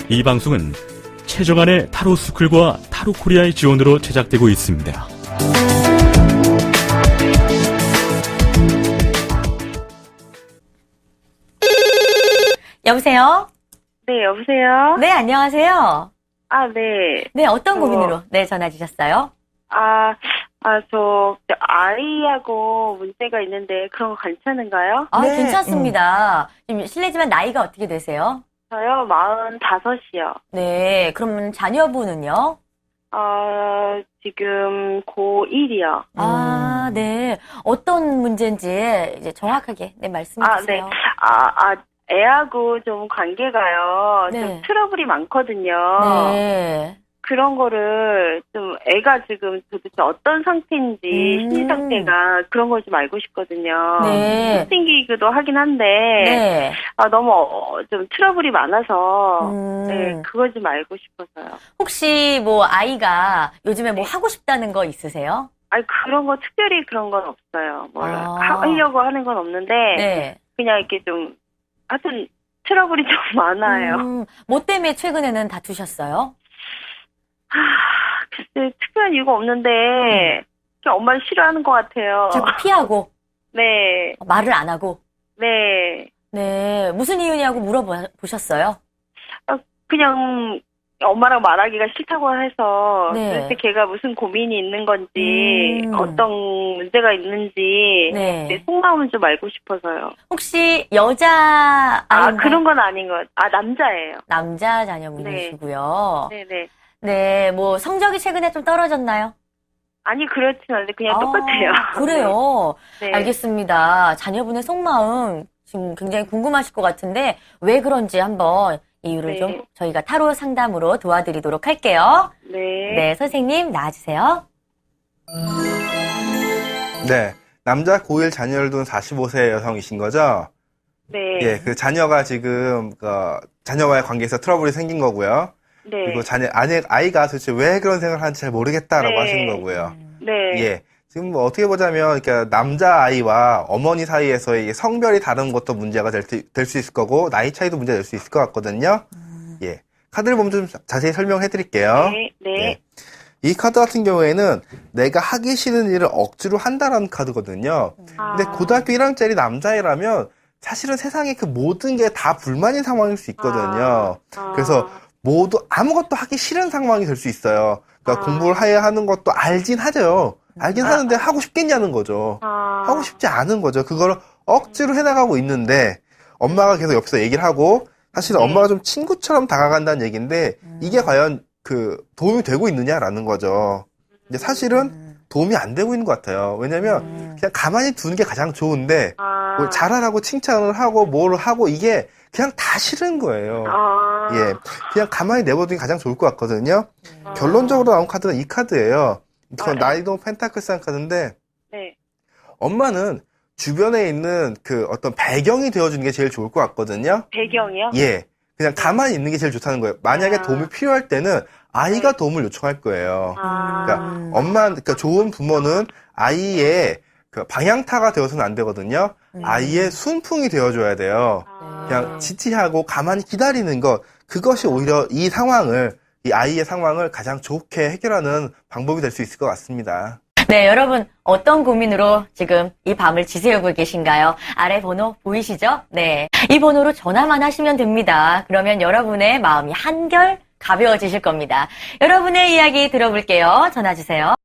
이 방송은 최정안의 타로 스쿨과 타로 코리아의 지원으로 제작되고 있습니다. 여보세요? 네, 여보세요? 네, 안녕하세요. 아, 네. 네, 어떤 고민으로 전화 주셨어요? 저 아이하고 문제가 있는데 그런 거 괜찮은가요? 네. 괜찮습니다. 지금 실례지만 나이가 어떻게 되세요? 저요, 45이요. 네, 그럼 자녀분은요? 지금 고1이요. 네. 어떤 문제인지 이제 정확하게 말씀해 주세요. 네. 애하고 좀 관계가요. 네. 좀 트러블이 많거든요. 네. 그런 거를 좀 애가 지금 도대체 어떤 상태인지 심리 상태가 그런 걸 좀 알고 싶거든요. 네. 생기기도 하긴 한데 네. 너무 좀 트러블이 많아서 네, 그걸 좀 알고 싶어서요. 혹시 아이가 요즘에 하고 싶다는 거 있으세요? 그런 거 특별히 그런 건 없어요. 하려고 하는 건 없는데 네. 그냥 이렇게 좀 하여튼 트러블이 좀 많아요. 뭐 때문에 최근에는 다투셨어요? 글쎄 특별한 이유가 없는데 그냥 엄마를 싫어하는 것 같아요. 자꾸 피하고 네. 말을 안 하고 네. 네. 무슨 이유냐고 물어보셨어요? 그냥 엄마랑 말하기가 싫다고 해서 네. 도대체 걔가 무슨 고민이 있는 건지 어떤 문제가 있는지 네. 내 속마음을 좀 알고 싶어서요. 혹시 여자 아이인가요? 그런 건 아닌 것 남자예요. 남자 자녀분이시고요. 네네. 네, 성적이 최근에 좀 떨어졌나요? 아니 그렇진 않은데 그냥 똑같아요. 그래요? 네. 알겠습니다. 자녀분의 속마음 지금 굉장히 궁금하실 것 같은데 왜 그런지 한번 이유를 네. 좀 저희가 타로 상담으로 도와드리도록 할게요. 네. 네, 선생님 나와주세요. 네. 남자 고1 자녀를 둔 45세 여성이신 거죠? 네. 예, 그 자녀가 지금, 자녀와의 관계에서 트러블이 생긴 거고요. 네. 그리고 아이가 도대체 왜 그런 생각을 하는지 잘 모르겠다라고 네. 하시는 거고요. 네. 예. 지금 어떻게 보자면, 그러니까 남자아이와 어머니 사이에서의 성별이 다른 것도 문제가 될 수 있을 거고, 나이 차이도 문제가 될 수 있을 것 같거든요. 예. 카드를 보면 좀 자세히 설명해 드릴게요. 네. 네. 예. 이 카드 같은 경우에는 내가 하기 싫은 일을 억지로 한다라는 카드거든요. 근데 고등학교 1학년짜리 남자애라면 사실은 세상에 그 모든 게 다 불만인 상황일 수 있거든요. 그래서 모두 아무것도 하기 싫은 상황이 될 수 있어요. 그러니까 공부를 해야 하는 것도 알긴 하죠. 알긴 하는데 하고 싶겠냐는 거죠. 하고 싶지 않은 거죠. 그걸 억지로 해나가고 있는데 엄마가 계속 옆에서 얘기를 하고 사실 엄마가 좀 친구처럼 다가간다는 얘기인데 이게 과연 도움이 되고 있느냐라는 거죠. 근데 사실은 도움이 안 되고 있는 것 같아요. 왜냐면 그냥 가만히 두는 게 가장 좋은데 뭘 잘하라고 칭찬을 하고 뭘 하고 이게 그냥 다 싫은 거예요. 예, 그냥 가만히 내버두는 게 가장 좋을 것 같거든요. 결론적으로 나온 카드가 이 카드예요. 이건 나이도 펜타클스한 카드인데 네. 엄마는 주변에 있는 어떤 배경이 되어주는 게 제일 좋을 것 같거든요. 배경이요? 예. 그냥 가만히 있는 게 제일 좋다는 거예요. 만약에 도움이 필요할 때는 아이가 도움을 요청할 거예요. 그러니까 좋은 부모는 아이의 방향타가 되어서는 안 되거든요. 아이의 순풍이 되어줘야 돼요. 그냥 지지하고 가만히 기다리는 것, 그것이 오히려 이 아이의 상황을 가장 좋게 해결하는 방법이 될 수 있을 것 같습니다. 네, 여러분 어떤 고민으로 지금 이 밤을 지새우고 계신가요? 아래 번호 보이시죠? 네, 이 번호로 전화만 하시면 됩니다. 그러면 여러분의 마음이 한결 가벼워지실 겁니다. 여러분의 이야기 들어볼게요. 전화 주세요.